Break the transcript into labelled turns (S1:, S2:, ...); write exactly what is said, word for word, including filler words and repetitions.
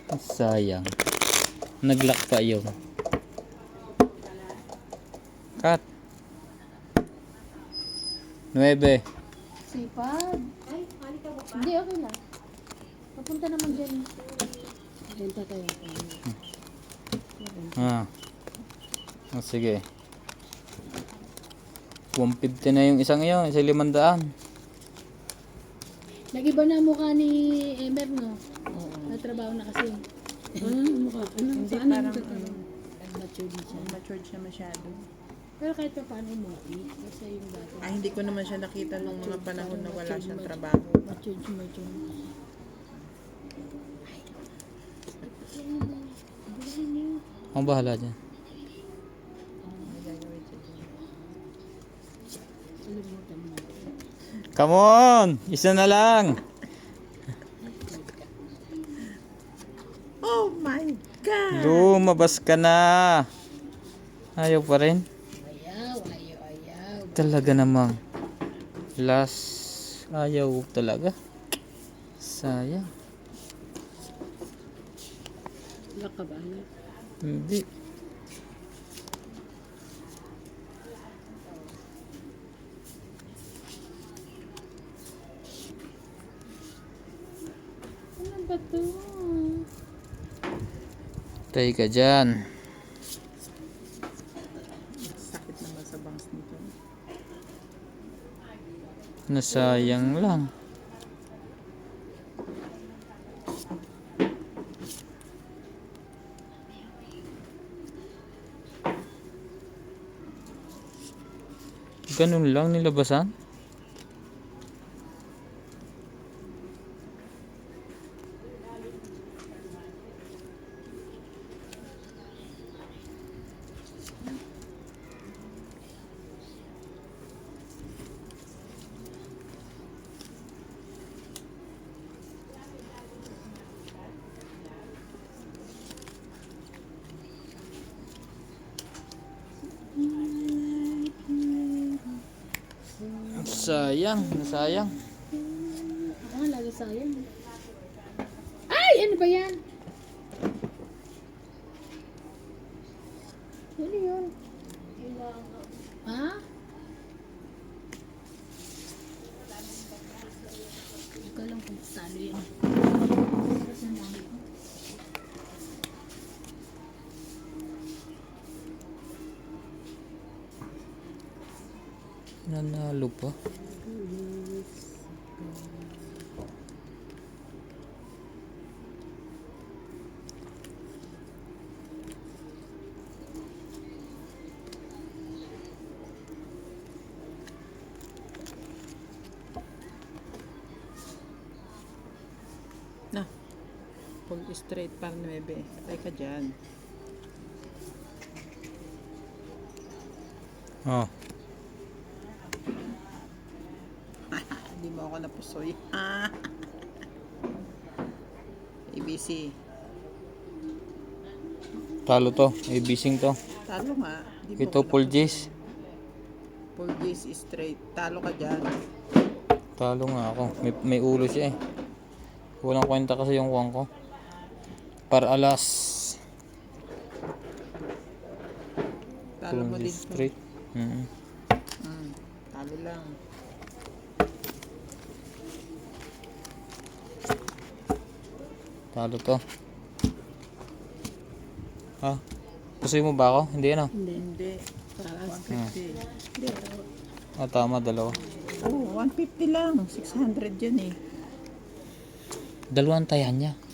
S1: Sayang. Naglock pa yun. Cut. Nuebe.
S2: Sipag. Hindi, okay lang. Papunta naman dyan. Benta tayo.
S1: Ah. Oh, sige. one fifty na yung isang yun. Isa limandaan.
S2: Nag-iba na mukha ni Emer, no? Oo. Natrabaho na kasi.
S3: Ano mukha? Ano?
S4: Hindi,
S3: Saan
S4: parang
S3: ang
S4: ano,
S2: Matured siya.
S4: matured siya masyado.
S2: Pero kahit pa paano mo, kasi yung dati.
S4: Ay, hindi ko naman siya nakita nung mga panahon na wala siyang trabaho.
S2: Matured siya, matured.
S1: Ang bahala dyan. Come on! Isa na lang!
S4: Oh my God!
S1: Lumabas ka na! Ayaw pa rin?
S2: Ayaw, ayaw, ayaw.
S1: Talaga namang. Last. Ayaw talaga. Sayang.
S3: Lock ka ba? Ano?
S1: Hindi.
S2: Ano ba to?
S1: Tay ka dyan.
S4: Sakit naman sa bangs nito.
S1: Nasayang lang. Ganun lang nilabasan? Sayang, nasayang.
S2: Ako nga lagi sayang. Ay! Ano ba yan? Ano yun? Ha? Ikaw lang kung talo yan.
S1: Nanalo pa.
S4: Na. Pull straight par nuebe. Patay ka dyan.
S1: Oh.
S4: Hindi mo ako napusoy. Ah. A B C.
S1: Talo to. Ibising to.
S4: Talo nga. Di mo
S1: Ito
S4: ako
S1: full
S4: napusoy.
S1: G's.
S4: Full G's straight. Talo ka dyan.
S1: Talo nga ako. May, may ulo siya eh. Walang kwenta kasi yung kuwang ko. Para alas.
S4: Talo mo
S1: Full
S4: din.
S1: G's straight. Mm.
S4: Hmm. Talo lang.
S1: Talo to. Ha? Pusoy mo ba ako? Hindi ano?
S3: Hindi.
S4: Hindi. one fifty. Hindi.
S1: Ah, tama. Dalawa.
S4: Oh, one fifty lang. six hundred yan eh.
S1: Dalawang tayan niya.